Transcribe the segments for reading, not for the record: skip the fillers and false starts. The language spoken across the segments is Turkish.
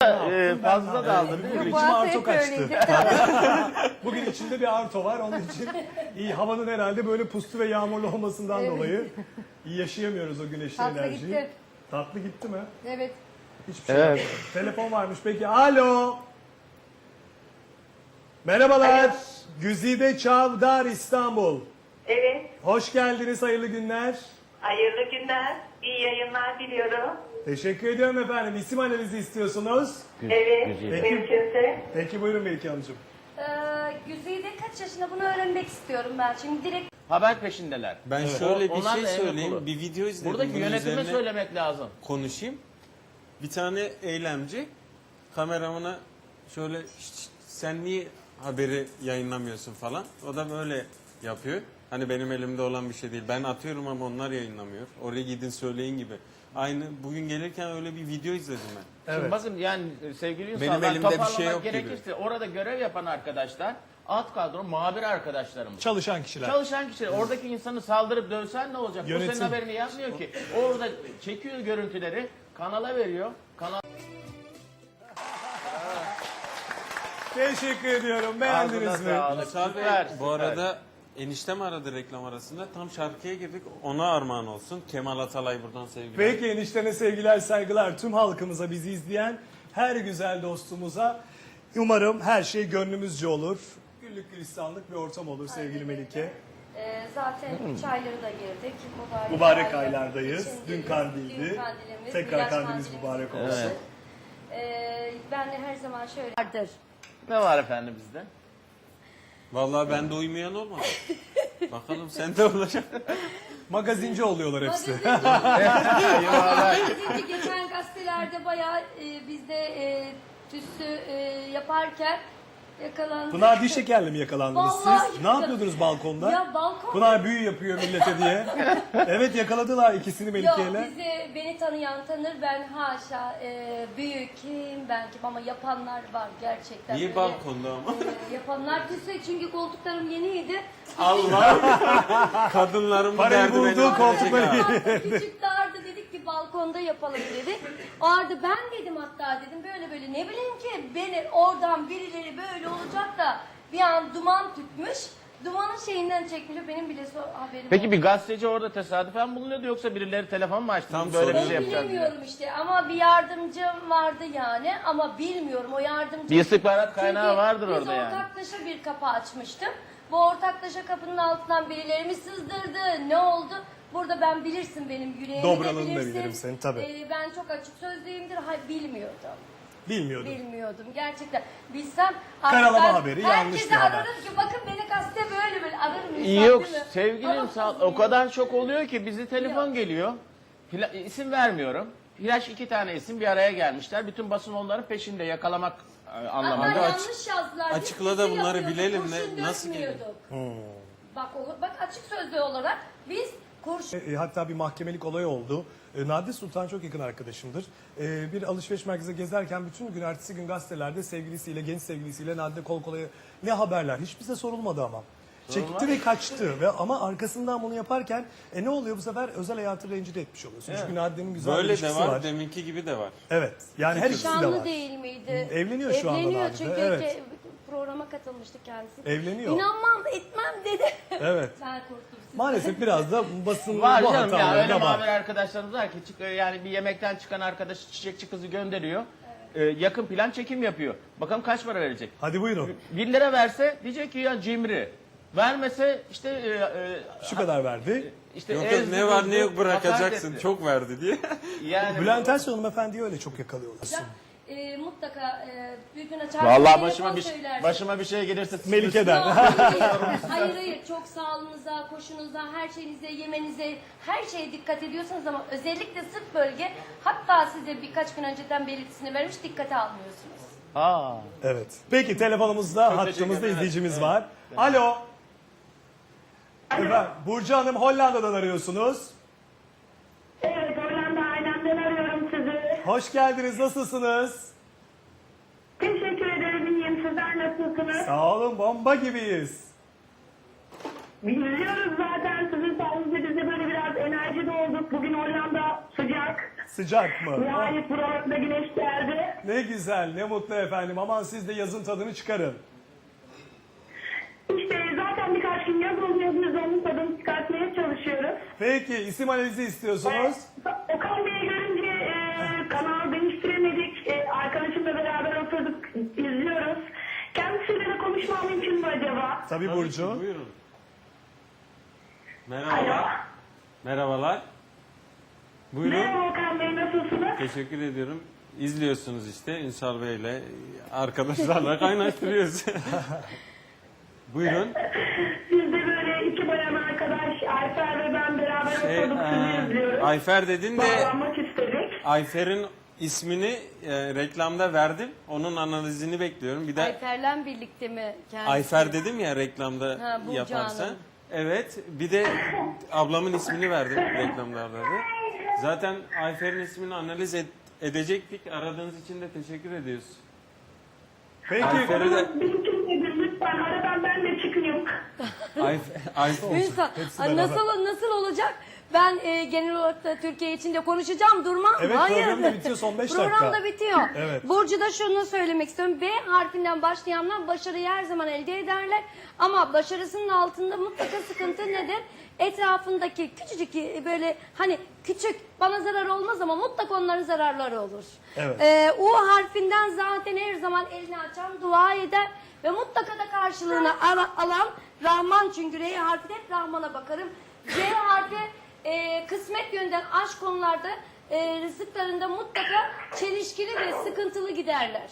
Fazla da aldın değil mi? İçime arto kaçtı. Bugün içinde bir arto var, onun için iyi. Havanın herhalde böyle puslu ve yağmurlu olmasından dolayı iyi yaşayamıyoruz o güneşli Tatlı enerjiyi. gitti. Tatlı gitti mi? Evet. Hiçbir şey yapmadım. Telefon varmış peki. Alo. Merhabalar. Güzide Çavdar, İstanbul. Evet, Hoş geldiniz, hayırlı günler. hayırlı günler, iyi yayınlar diliyorum. Teşekkür ediyorum efendim. İsim analizi istiyorsunuz. Evet, mümkünse. Peki buyurun Melike Hanımcığım. Güzide kaç yaşında, bunu öğrenmek istiyorum ben. Şimdi direkt Haber peşindeler. Ben şöyle bir Onlar şey da emir söyleyeyim. kulu. Bir video izledim. Buradaki bunun yönetime üzerine söylemek lazım. konuşayım. Bir tane eylemci kameramana şöyle "Şşt, sen niye haberi yayınlamıyorsun" falan. O da böyle yapıyor. Hani benim elimde olan bir şey değil. Ben atıyorum ama onlar yayınlamıyor. Oraya gidin söyleyin gibi. Aynı bugün gelirken öyle bir video izledim ben. Şimdi bakın yani sevgili Benim insanlar, elimde bir şey toparlamak yok gibi. gerekirse orada görev yapan arkadaşlar alt kadro muhabir arkadaşlarımız. Çalışan kişiler. Çalışan kişiler. Oradaki insanı saldırıp dövsen ne olacak? Yönetim. Bu senin haberini yapmıyor ki. Orada çekiyor görüntüleri, kanala veriyor. Kanal Teşekkür ediyorum. Beğendiniz Ağzına mi? sağlık. Ünsal Bey, Süper, bu süper. arada eniştem aradı reklam arasında. Tam şarkıya girdik. Ona armağan olsun. Kemal Atalay buradan sevgiler. Peki eniştene sevgiler, saygılar tüm halkımıza, bizi izleyen her güzel dostumuza. Umarım her şey gönlümüzce olur. Güllük gülistanlık bir ortam olur sevgili Melike. zaten 3 ayları da girdik. Mübarek aylardayız. Dün içindeyiz. kandildi. Dün kandilimiz, Tekrar Miraç kandilimiz mübarek olsun. Evet. Ben de her zaman şöyle vardır. ne var efendim bizde? Vallahi bende uymayan olmadı. Bakalım sende olacak. Magazinci oluyorlar hepsi. Magazinci geçen gazetelerde bayağı bizde tüssü yaparken yakalandı. Pınar diş şekerli mi yakalandınız Vallahi siz? Ne yapıyordunuz balkonda? Ya balkon. Pınar büyü yapıyor millete diye. Evet yakaladılar ikisini Yok Melike'yle. beni tanıyan tanır, ben haşa büyük kim ben kim, ama yapanlar var gerçekten. Niye Böyle, balkonda ama? Yapanlar küsse, çünkü koltuklarım yeniydi. Allah! Kadınların bu Parayı derdi beni buldu, koltukları öldürecek Küçük de Arda dedik ki balkonda yapalım dedi. Arda ben dedim, hatta dedim böyle ne bileyim ki beni oradan birileri böyle olacak da bir an duman tütmüş. Dumanın şeyinden çekmiş, benim bile haberim Peki yok. bir gazeteci orada tesadüfen bulunuyordu yoksa birileri telefon mu açtı? Tam Böyle bir soruyorum. şey yapacağız diye. Bilmiyorum işte, ama bir yardımcım vardı yani, ama bilmiyorum o yardımcı. Bir istihbarat kaynağı Çünkü vardır biz orada yani. ortaklaşa bir kapı açmıştım. Bu ortaklaşa kapının altından birileri mi sızdırdı, ne oldu? Burada ben bilirsin benim yüreğimi Dobralığını de da bilirsin. bilirim senin, tabii. Ben çok açık sözlüyümdür. Bilmiyordum. Bilmiyordum. Bilmiyordum gerçekten. Bilsem Karalama ben haberi, yanlış herkese bir haber. ararım ki bakın beni gazete böyle ararım. insan, Yok değil mi? sevgilim Ama sağ o bilmiyorum. kadar çok oluyor ki bizi telefon Yok. geliyor. İsim vermiyorum. Flash 2 tane isim bir araya gelmişler. Bütün basın onların peşinde yakalamak Hatta anlamında. yanlış yazdılar. Biz açıkla da dizi bunları yapıyorduk, bilelim kurşun nasıl geliyor? dökmüyorduk. Bak açık sözlü olarak biz kurşun Hatta bir mahkemelik olay oldu. Nadide Sultan çok yakın arkadaşımdır. Bir alışveriş merkezi gezerken bütün gün ertesi gün gazetelerde sevgilisiyle, genç sevgilisiyle Nadide kol kolaya, ne haberler? Hiç bize sorulmadı ama. Çekti ve kaçtı ve ama arkasından bunu yaparken ne oluyor bu sefer? Özel hayatı rencide etmiş oluyorsun. Çünkü Nadide'nin güzel bir Böyle de ilişkisi var, var. deminki gibi de var. Evet. Yani her ikisi de şanlı var. değil miydi? Evleniyor şu anda Evleniyor Nadide, çünkü evet. programa katılmıştı kendisi. Evleniyor. İnanmam etmem dedi. Evet. Ben korktum sizden. Maalesef biraz da basın Var bu canım ya hataları öyle da var. muhabir arkadaşlarımız var ki yani bir yemekten çıkan arkadaşı çiçekçi kızı gönderiyor. Yakın plan çekim yapıyor. Bakalım kaç para verecek? Hadi buyurun. 1 lira verse diyecek ki ya cimri. Vermese işte Şu kadar verdi. işte Yok yok ezdi, ne var ne yok bozdu, bırakacaksın. hakaret etti. Çok verdi diye. Yani Bülent Ersoy hanımefendiyi öyle çok yakalıyorlar. Mutlaka bir gün açar. Vallahi telefon başıma söylersin. bir şey gelirse Melike'den. Hayır, çok sağlığınıza, koşunuza, her şeyinize, yemenize, her şeye dikkat ediyorsanız ama özellikle sırt bölge, hatta size birkaç gün önceden belirtisini vermiş, dikkate almıyorsunuz. Aa. Evet. Peki telefonumuzda, hattımızda izleyicimiz var. Alo. Efendim, Burcu Hanım Hollanda'dan arıyorsunuz. Evet, Hollanda ailemden arıyorum sizi. Hoş geldiniz. Nasılsınız? Teşekkür ederim, iyiyim. Sizler nasılsınız? Sağ olun. Bomba gibiyiz. İzliyoruz zaten. Sizin sayenizde biz de böyle biraz enerjide olduk. Bugün Hollanda sıcak. Sıcak mı? Nihayet buralarda güneş geldi. Ne güzel, ne mutlu efendim. Aman siz de yazın tadını çıkarın. İşte zaten birkaç gün yaz oluyor. Biz de onun tadını çıkartmaya çalışıyoruz. Peki, isim analizi istiyorsunuz. Okan Bey'i görünce kanal değiştiremedik. Arkadaşımla beraber oturduk, izliyoruz. Kendisiyle de konuşmam mümkün mü acaba? Tabii Tabii Burcu. ki, buyurun. Alo. Merhabalar. Merhabalar. Buyurun. Merhaba Okan Bey, nasılsınız? Teşekkür ediyorum. İzliyorsunuz işte Ünsal Bey'le arkadaşlarla kaynaştırıyoruz. Buyurun. Biz de böyle iki bayan arkadaş, Ayfer ve ben beraber oturduk, sizi izliyoruz. Ayfer dedin de Bağlanmak istedik. Ayfer'in ismini reklamda verdim. Onun analizini bekliyorum. Bir de Ayfer'le birlikte mi kendisi? Ayfer dedim ya reklamda Ha, Burcu yaparsan. Hanım. Evet. Bir de ablamın ismini verdim reklamlarda da. Zaten Ayfer'in ismini analiz edecektik. Aradığınız için de teşekkür ediyoruz. Peki, Ayfer'e de Mümkün nedir lütfen, aradan ben de çıkayım. Ayfer. Ünsal, Hepsi ay, beraber. nasıl olacak? Ben genel olarak da Türkiye için de konuşacağım, durmam. Evet, Hayır. program da bitiyor, son 5 dakika. Program da bitiyor. Evet. Burcu da şunu söylemek istiyorum. B harfinden başlayanlar başarıyı her zaman elde ederler. Ama başarısının altında mutlaka sıkıntı nedir? Etrafındaki küçücük böyle hani küçük bana zarar olmaz ama mutlaka onların zararları olur. Evet. U harfinden zaten her zaman elini açan dua eder ve mutlaka da karşılığını alan Rahman, çünkü R harfi de hep Rahman'a bakarım. C harfi kısmet yönden aşk konularda rızıklarında mutlaka çelişkili ve sıkıntılı giderler.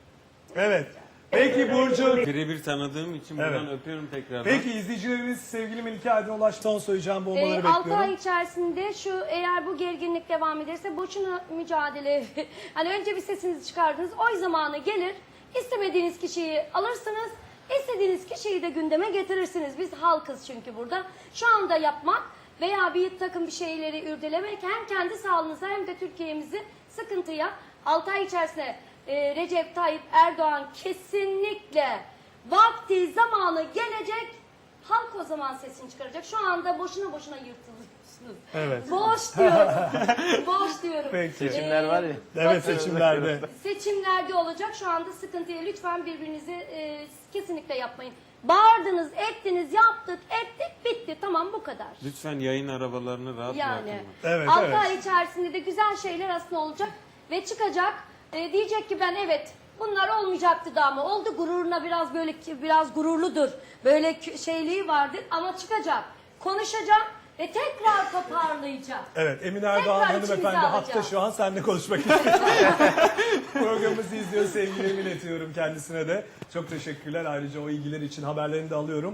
Evet. Peki Burcu. Birebir tanıdığım için buradan Evet. öpüyorum tekrardan. Peki izleyicilerimiz sevgili Melike Aydın ulaştı. Son söyleyeceğim bombaları 6 bekliyorum. ay içerisinde eğer bu gerginlik devam ederse boşuna mücadele. Hani önce bir sesinizi çıkardınız. O zamanı gelir. İstemediğiniz kişiyi alırsınız. İstediğiniz kişiyi de gündeme getirirsiniz. Biz halkız çünkü burada. Şu anda yapmak veya bir takım bir şeyleri ürdelemek hem kendi sağlığınıza hem de Türkiye'mizi sıkıntıya 6 ay içerisinde Recep Tayyip Erdoğan kesinlikle vakti zamanı gelecek, halk o zaman sesini çıkaracak. Şu anda boşuna yırtılıyorsunuz. Evet. Boş diyorum. Boş diyorum. Peki. Seçimler var ya. Evet, seçimlerde. Seçimlerde olacak. Şu anda sıkıntıya lütfen birbirinizi kesinlikle yapmayın. Bağırdınız, ettiniz, yaptık, ettik, bitti. Tamam, bu kadar. Lütfen yayın arabalarını rahat Yani bırakın. Evet, 6 evet. ay içerisinde de güzel şeyler aslında olacak ve çıkacak. Diyecek ki ben evet bunlar olmayacaktı da ama oldu, gururuna biraz gururludur. Böyle şeyliği vardır ama çıkacak, konuşacak ve tekrar toparlayacak. Evet, Emine Erdoğan Tekrar hanımefendi içimize hatta alacağım. şu an seninle konuşmak istiyor. Programımızı izliyor, sevgilerimi iletiyorum kendisine de. Çok teşekkürler, ayrıca o ilgiler için haberlerini de alıyorum.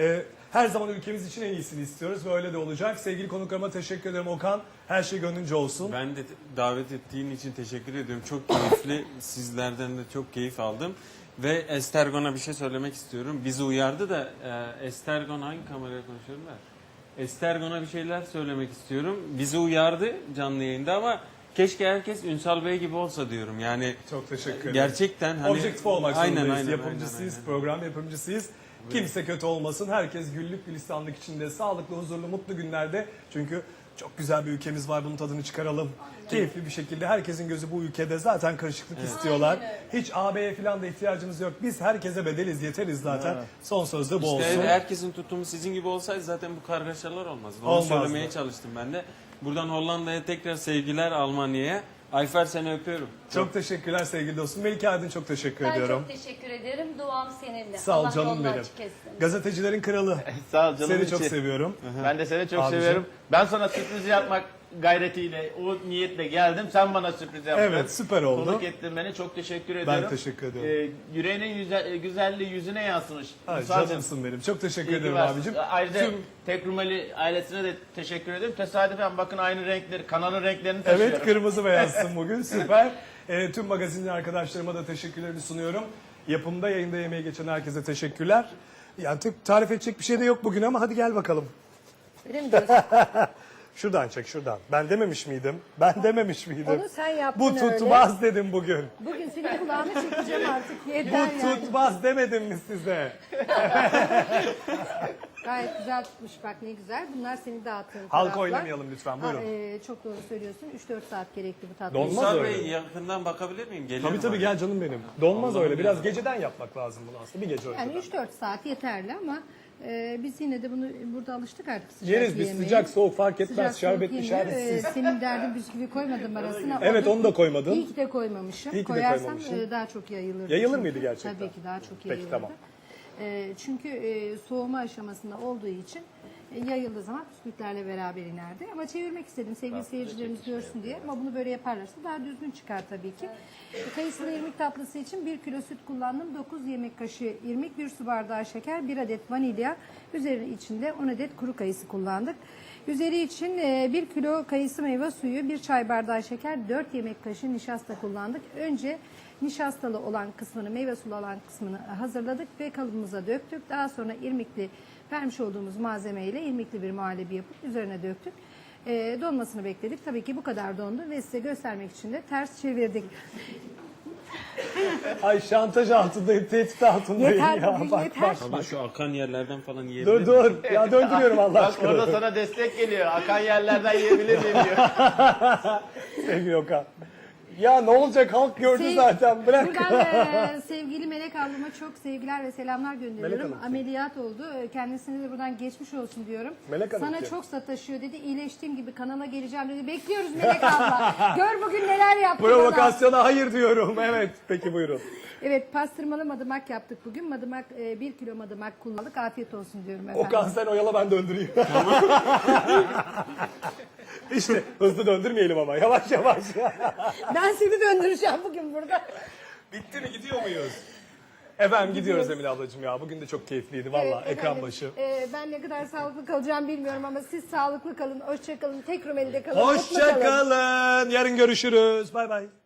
Her zaman ülkemiz için en iyisini istiyoruz ve öyle de olacak. Sevgili konuklarıma teşekkür ederim Okan. Her şey gönlünce olsun. Ben de davet ettiğin için teşekkür ediyorum. Çok keyifli. Sizlerden de çok keyif aldım. Ve Estergon'a bir şey söylemek istiyorum. Bizi uyardı da Estergon hangi kameraya konuşuyorum ben? Estergon'a bir şeyler söylemek istiyorum. Bizi uyardı canlı yayında ama keşke herkes Ünsal Bey gibi olsa diyorum. Yani Çok teşekkür ederim. gerçekten hani Objektif olmak zorundayız. aynen, Yapımcısıyız, program yapımcısıyız. Kimse kötü olmasın. Herkes güllük gülistanlık içinde, sağlıklı, huzurlu, mutlu günlerde. Çünkü çok güzel bir ülkemiz var. Bunun tadını çıkaralım. Keyifli bir şekilde. Herkesin gözü bu ülkede. Zaten karışıklık istiyorlar. Hiç AB'ye falan da ihtiyacımız yok. Biz herkese bedeliz, yeteriz zaten. Son söz de bu olsun. İşte herkesin tutumu sizin gibi olsaydı zaten bu kargaşalar olmazdı. Onu Olmazdı. söylemeye çalıştım ben de. Buradan Hollanda'ya tekrar sevgiler, Almanya'ya. Ayfer, seni öpüyorum. Çok teşekkürler sevgili dostum. Melike Aydın çok teşekkür Ben ediyorum. çok teşekkür ederim. Duam seninle. Sağ ol Allah canım yolunu benim. açık etsin. Gazetecilerin kralı. Sağ ol canım Seni içi. çok seviyorum. Ben de seni çok Abicim. seviyorum. Ben sana sürpriz yapmak gayretiyle, o niyetle geldim. Sen bana sürpriz yaptın. Evet, süper oldu. Konuk ettin beni. Çok teşekkür ediyorum. teşekkür ediyorum. Yüreğinin güzelliği yüzüne yansımış. Ay, Müsaaden. canımsın benim. Çok teşekkür İyi ki ederim varsın. abicim. Ayrıca Tüm- Tek Rumeli ailesine de teşekkür ederim. Tesadüfen bakın aynı renkleri, kanalın renklerini taşıyorum. Evet, kırmızı beyazsın bugün. Süper. Tüm magazinci arkadaşlarıma da teşekkürlerimi sunuyorum. Yapımda, yayında yemeği geçen herkese teşekkürler. Yani tarif edecek bir şey de yok bugün ama hadi gel bakalım. Öyle mi diyorsun? Şuradan çek şuradan. Ben dememiş miydim? Ben dememiş miydim? Onu sen yaptın Bu tutmaz dedim bugün. Bugün senin kulağını çekeceğim artık. Bu Yeter yani. tutmaz demedim mi size? Gayet güzel tutmuş bak ne güzel. Bunlar seni dağıttığın Halka taraflar. oynamayalım lütfen, buyurun. Çok doğru söylüyorsun. 3-4 saat gerekli bu tatlı. Olmaz Musa öyle. Bey yakından bakabilir miyim? Gelirim Tabii tabii oraya. gel canım benim. Donmaz Allah'ım öyle. Biraz ya. geceden yapmak lazım bunu aslında. Bir gece önceden. Yani 3-4 saat yeterli ama biz yine de bunu burada alıştık artık sıcak Yeriz biz, yemeye. sıcak soğuk fark etmez. Sıcak soğuk Şerbetli yemiyor. şerbetsiz. Senin derdin bisküvi koymadım arasına. Evet, onu da koymadın. İyi ki de koymamışım. İyi ki de Koyarsam koymamışsın. daha çok yayılırdı. Yayılır çünkü. mıydı gerçekten? Tabii ki daha çok Peki, yayılırdı. tamam. Çünkü soğuma aşamasında olduğu için yayıldığı zaman bisküvitlerle beraber inerdi. Ama çevirmek istedim sevgili seyircilerimiz görsün diye. Ama bunu böyle yaparlarsa daha düzgün çıkar tabii ki. Kayısılı irmik tatlısı için 1 kilo süt kullandım. 9 yemek kaşığı irmik, 1 su bardağı şeker, 1 adet vanilya. Üzeri içinde 10 adet kuru kayısı kullandık. Üzeri için 1 kilo kayısı meyve suyu, 1 çay bardağı şeker, 4 yemek kaşığı nişasta kullandık. Önce nişastalı olan kısmını, meyve sulu olan kısmını hazırladık ve kalıbımıza döktük. Daha sonra irmikli vermiş olduğumuz malzemeyle irmikli bir muhallebi yapıp üzerine döktük. Donmasını bekledik. Tabii ki bu kadar dondu ve size göstermek için de ters çevirdik. Ay şantaj altındayım, tehdit altındayım Yeter ya. bugün, Bak, yeter. bak. Ama şu akan yerlerden falan yiyebilir Dur miyim? dur. Ya döndürüyorum Allah Bak aşkına. orada sana destek geliyor. Akan yerlerden yiyebilir miyim diyor. Sevgili Okan. Ya ne olacak, halk gördü zaten, bırak. Buradan sevgili Melek ablama çok sevgiler ve selamlar Melek gönderiyorum. Hanım. Ameliyat oldu. Kendisine de buradan geçmiş olsun diyorum. Melek Hanım Sana kim? çok sataşıyor dedi. İyileştiğim gibi kanala geleceğim dedi. Bekliyoruz Melek abla. Gör bugün neler yaptı bana. Provokasyona hayır diyorum. Evet, peki buyurun. Evet, pastırmalı madımak yaptık bugün. Madımak 1 kilo madımak kullandık. Afiyet olsun diyorum efendim. Okan sen oyala, ben döndüreyim. İşte hızlı döndürmeyelim ama, yavaş yavaş. Ben seni döndüreceğim bugün burada. Bitti mi, gidiyor muyuz? Efendim gidiyoruz Emine ablacığım ya. Bugün de çok keyifliydi valla, Evet, ekran efendim, başı. Ben ne kadar sağlıklı kalacağım bilmiyorum ama siz sağlıklı kalın, hoşça kalın, tek Rumeli'de kalın. mutlu Hoşça kalın. Yarın görüşürüz. Bay bay.